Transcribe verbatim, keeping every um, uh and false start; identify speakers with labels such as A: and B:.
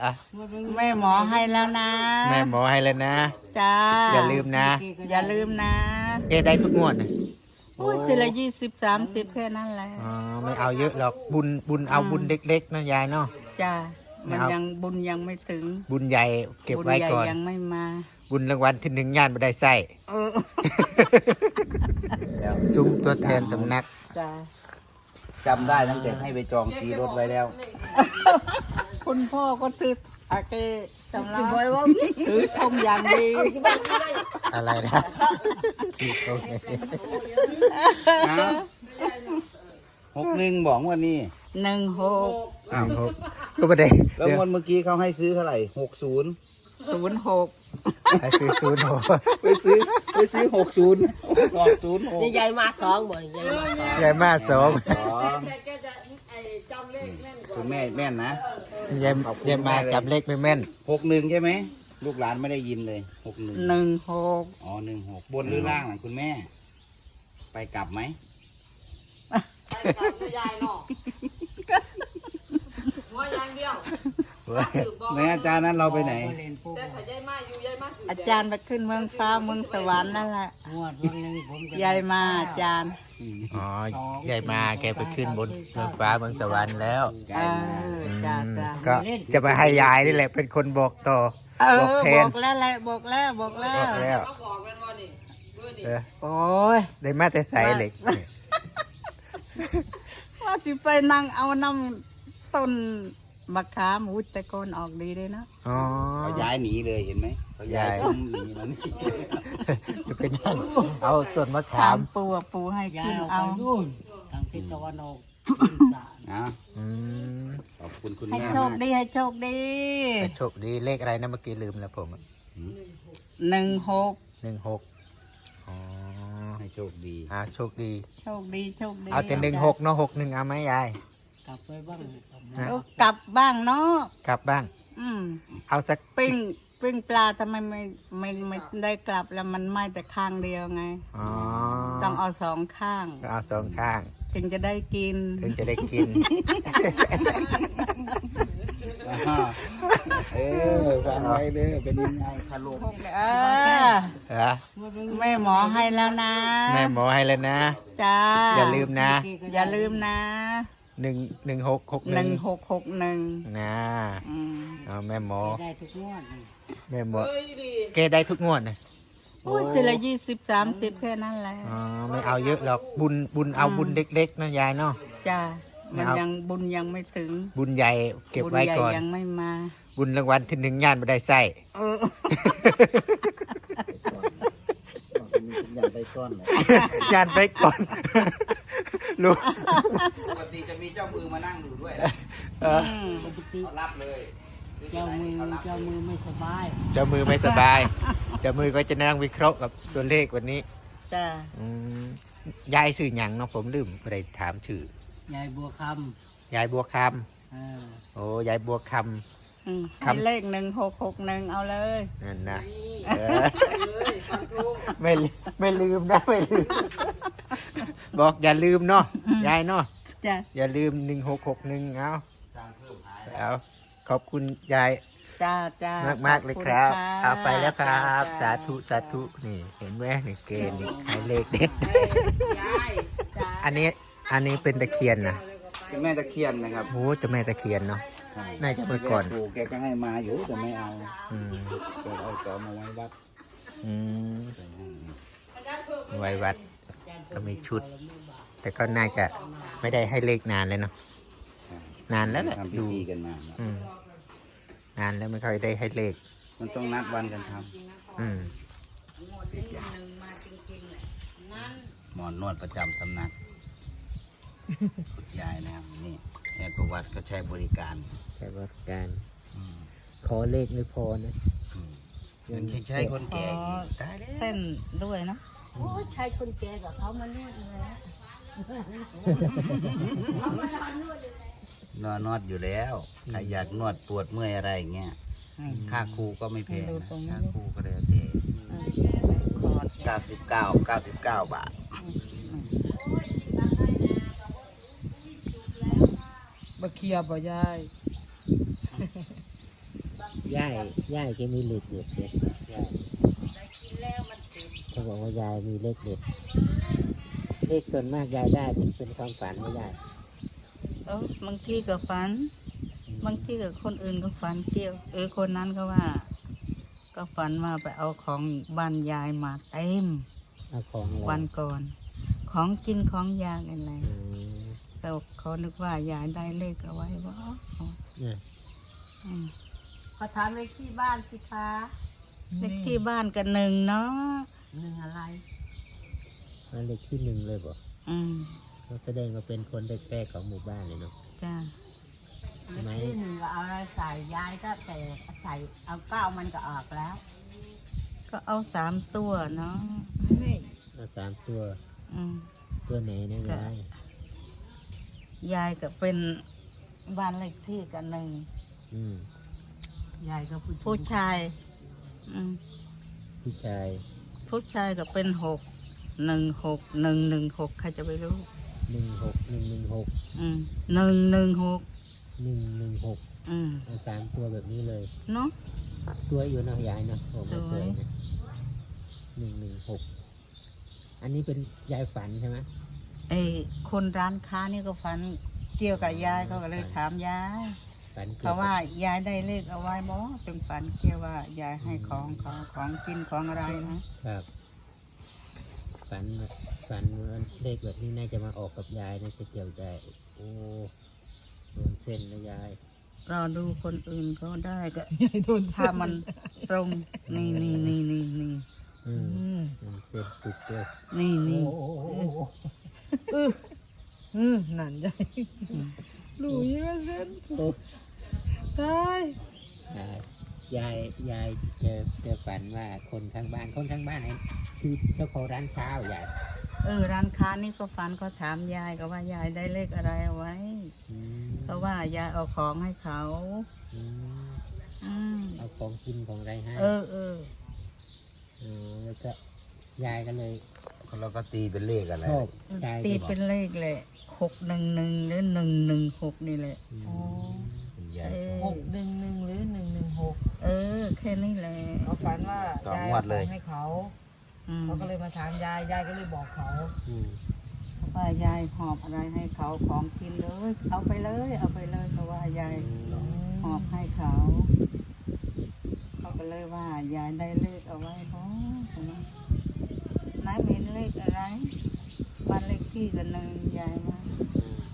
A: อ่ะ
B: แม่หมอให้แล้วนะ
A: แม่หมอให้แล้วนะ
B: จ้า
A: อย่าลืมนะ
B: อย่าลืมนะ
A: เอได้ทุกงวดนะ
B: โอ้ยทีละยี่สิบสามสิบแค่นั้นแหละ
A: อ๋อไม่เอาเยอะหรอกบุญบุญเอาบุญเล็กๆนะยายเนาะ
B: จ้ามันยังบุญยังไม่ถึง
A: บุญใหญ่เก็บไว้ก่อน
B: ยังไม่มา
A: บุญรางวัลที่หนึ่งย่านไม่ได้ใส่ซุ้มตัวแทนสำนัก
B: จ้า
C: จำได้ตั้งแต่ให้ไปจองสีรถไว้แล้ว
B: คุณพ่อก็ถืออาเกจำได้ถือทมอย่างดี
A: อะไรนะถือทม
C: หกหนึ่งบอกว่านี่
B: หนึ่งหก
A: อ้าวหกก็ไม่ได้
C: แล้วงวดเมื่อกี้เขาให้ซื้อเท่าไหร่หกศูนย์
B: ศูนย์หก
A: ไปซื้อศูนย์หก
C: ไปซื้อไปซื้อหกศูนย์หกศูนย์หก
D: ใหญ่มาสองบ่
A: ใหญ่มาสอง
C: คุณแม่แม่นนะ
A: ใหญ่ใหญ่มาจำเลขไม่แม่น
C: หกหนึ่งใช่ไหมลูกหลานไม่ได้ยินเลยหกหนึ่ง
B: หนึ่งหก
C: อ๋อหนึ่งหกบนหรือล่างหลังคุณแม่ไปกลับไหม
D: ไปกลับยายเนาะหัวอย่างเดียว
C: ในอาจารย์นั้นเราไปไหน
D: แต่ถ้ายายมาอยู่ยายมา
B: อาจารย์ไปขึ้นเมืองฟ้าเมืองสวรรค์นั่นแหละยายมาอาจารย์
A: อ๋อยายมาแกไปขึ้นบนเมืองฟ้าเมืองสวรรค์แล้วก็จะไปให้ยายนี่แหละเป็นคนบอกต่อ
B: บอกแทนบอกแล้วแหละบอกแล้วบอกแล้ว
A: บอกแล้ว
B: โอ้ย
A: ได้มาแต่ใส่เหล็ก
B: ว่าสิไปนั่งเอาน้ำต้นมะขามอุ้ยแต่ก้นออกดีเลยนะ
A: อ๋อ
C: เขาย้ายหนีเลยเห็นไหมเขาย้ายคุ้มหนีแล้วนี่
A: จะไปนั่งเอาต้นมะขาม
B: ปูปูให้กินเอา
D: ทางทิศตะวันออก
C: นะขอบคุณคุณแม่
B: ให้โชคดีให้โชคดี
A: ให้โชคดีเลขอะไรนะเมื่อกี้ลืมแล้วผม
B: หนึ่งหก
A: หนึ่งหกอ๋อ
C: ให้โชคดี
A: อ่าโชคดี
B: โชคดีโชคดี
A: เอาแต่หนึ่งหกเนาะหกหนึ่งเอาไหมยาย
D: กลับไปบ้าง
B: กลับบ้างเนาะ
A: กลับบ้าง
B: อืม
A: เอาสัก
B: ปิ้งปิ้งปลาทำไมไม่ไม่ไม่ได้กลับแล้วมันไหม้แต่ข้างเดียวไง
A: อ๋อ
B: ต้องเอาสองข้าง
A: เอาสองข้าง
B: ถึงจะได้กิน
A: ถึงจะได้กิน
C: เออฟังไว้เด้อเป็นยังไงคารุ
B: เออแม่หมอให้แล้วนะ
A: แม่หมอให้แล้วนะ
B: จ้า
A: อย่าลืมนะ
B: อย่าลืมนะ
A: หนึ่งหนึ่งหกหก
B: หนึ่งหกหกหนึ่ง
A: นะเอาแม่หมอ
D: ได้ทุกงวด
A: แม่หมอแกได้ทุกงวดนะ
B: โอ้ยทีละยี่สิบสามสิบแค่นั้นแหละ
A: อ๋อไม่เอาเยอะหรอกบุญบุญเอาบุญเล็กๆนะยายเนาะ
B: จ้ามันยังบุญยังไม่ถึง
A: บุญใหญ่เก็บไว้ก่อน
B: ยังไม่มา
A: บุญรางวัลที่หนึ่งย่านไม่ได้ใส่
C: ย่านไปก่อน
A: ย่านไปก่อนลูก
C: ปกติจะมีเจ้ามือมานั่งดูด้วยนะปกติรับเลย
D: เจ้ามือเจ้ามือไม่สบาย
A: เจ้ามือไม่สบายเจ้ามือก็จะนั่งวิเคราะห์กับตัวเลขวันนี้
B: จ้
A: ายายชื่อหยังเนาะผมลืมไปถามชื่
D: อยายบัวค
A: ำยายบัวคำโอ้ยายบัวค
B: ำคำเลขหนึ่งหกหกหนึ่งเอาเลย
A: นั่นนะไม่ไม่ลืมนะไม่ลืมบอกอย่าลืมเนาะยายเนาะอย่าลืมหนึ่งหกหกหนึ่งเอาเอาขอบคุณยาย
B: จ้าจ้าม
A: ากมากเลยครับเอาไปแล้วครับสาธุสาธุนี่เห็นไหมนี่เกณฑ์นี่ให้เลขเด็ดอันนี้อันนี้เป็นตะเคียนนะ
C: เป็นแม่ตะเคียนนะครับ
A: โอ้จะแม่ตะเคียนเนาะน่าจะเมื่อก่อน
C: ปู่แกก็ให้มาอยู่แต่ไม่เอาแกเอาจอมาไว้วัด
A: ไว้วัดก็มีชุดแต่ก็น่าจะไม่ได้ให้เลขนานเลยเนาะนานแล้วแหละดู
C: กันนาน
A: นานแล้วไม่ค่อยได้ให้เลข
C: มันต้องนัดวันกันทำหมอนนวดประจำสำนักคุณยายนะครับนี่แอนประวัติก็ใช้บริการ
A: ใช้บริการขอเลขไม่พอนะ
C: ยังใช้ใช้คนแก่
B: ตายเส้นด้วยนะ
D: โอ้ใช้คนแก่กับเขามานวดเลย
C: นวดนวดอยู่แล้วใครอยากนวดปวดเมื่อยอะไรเงี้ยค่าครูก็ไม่แพงนะค่าครูก็เลยเท่เก้าสิบเก้าเก้าสิบเก้าบาท
B: บะเคียบะยาย
A: ย่ายย่ายแกมีเลขเด็ดเด็ดย่าย
B: ได้กินแล้วมันติด
A: เขาบอกว่ายายมีเลขเด็ดเลขส่วนมากยายได้เป็นเป็นความฝันไม่ยาย
B: เออบางทีก็ฝัน บางทีก็คนอื่นก็ฝันเกี่ยว เออคนนั้นก็ว่า ก็ฝันว่าไปเอาของบ้านยายมาเต็ม
A: เอาของอะไร
B: วันก่อน ของกินของยากอะไร
A: อืม
B: แต่เขานึกว่ายายได้เลขเอาไว้บ่
A: เนี่ย
B: อืม
D: ขอถามเลขที่บ้านสิคะ
B: เลขที่บ้านกันหนึ่งเนาะ
D: หนึ่งอะไร
A: เอาเลขที่หนึ่งเลยบอก
B: อืม
A: เขาแสดงว่าเป็นคนแรกๆของหมู่บ้านเลยเนาะ
B: จ้า
D: เลขที่หนึ่งก็เอาอะไรใส่ยายก็แต่ใส่เอาเก้ามันก็ออกแล้ว
B: ก็เอาสามตัวเนาะ
A: เอาสามตัว
B: อืม
A: ตัวไหนนะยาย
B: ยายก็เป็นบ้านเลขที่กันหนึ่ง
A: อืม
D: ยายก็พูด
B: ผู้ชาย อืม
A: ผู้ชาย
B: ผู้ชายก็เป็นหกหนึ่งหกหนึ่งหนึ่งหกใครจะไปรู้
A: หนึ่งหกหนึ่งหนึ่งหก
B: อืมหนึ่งหนึ่งหก
A: หนึ่งหนึ่งหก
B: อืม
A: เอาสามตัวแบบนี้เลย
B: เนาะ
A: สวยอยู่เนาะยายเนาะผมว่าส
B: ส
A: ว
B: วย ย
A: นะหนึ่งหนึ่งหกอันนี้เป็นยายฝันใช่ไหม
B: ไอ้คนร้านค้านี่ก็ฝันเกี่ยวกับยายเขาก็เลยถามยาย
A: ฝันกี่ย
B: เขา
A: กับ
B: ว่ายายได้เลขเอาไว้บ่เป็นฝันเกี่ยวว่ายายให้ของเขาของกินของอะไรนะครับ
A: ฝันฝันว่าเลขแบบนี้น่าจะมาออกกับยายน่าจะเกี่ยวใจโอ้โดนเส้นนะยาย
B: เราดูคนอื่นเขาได้ก็ถ้ามันตรงนี่นี่นี่นี่นี่
A: อืมโดนเส้นปุกเลย
B: นี่นี่
E: อืมนั่นใหญ่รู้ยี่ว่าเส้นตาย
A: ยายยายเจอเจอฝันว่าคนข้างบ้านคนข้างบ้านไอ้คือเจ้าของร้านข้าวยาย
B: เออร้านค้านี่ก็ฝันก็ถามยายก็ว่ายายได้เลขอะไรเอาไว้
A: อืม
B: เพราะว่ายายเอาของให้เขา
A: อืม
B: อืม
A: เอาของกินของอะไรให้
B: เออเออ
A: เออแล้วก็ยายก็เลย
C: เราก็ตีเป็นเลขอะไร
A: ชอบยาย
B: ตี
A: ก็
B: เป็นเลขเลยหกหนึ่งหนึ่งหรือหนึ่งหนึ่งหกนี่แหละ
A: อืม
E: อ๋อ
C: ยาย
B: เออ
E: หกหนึ่งหนึ่งหรือหนึ่งหนึ่งหก
B: เออ แค่นี้แหละ
E: เขาฝันว่ายายเอาของให้เขา
B: อืม
E: เขาก็เลยมาถามยายยายก็เลยบอกเขา
A: อืม
B: ว่ายายหอบอะไรให้เขาของกินเลย เอาไปเลย เอาไปเลยเพราะว่ายายหอบให้เขาเขาก็เลยว่ายายได้เลขเอาไว้เพราะนายเห็นเลขอะไรบ้านเลขที่กันหนึ่งยายว่า
A: อืม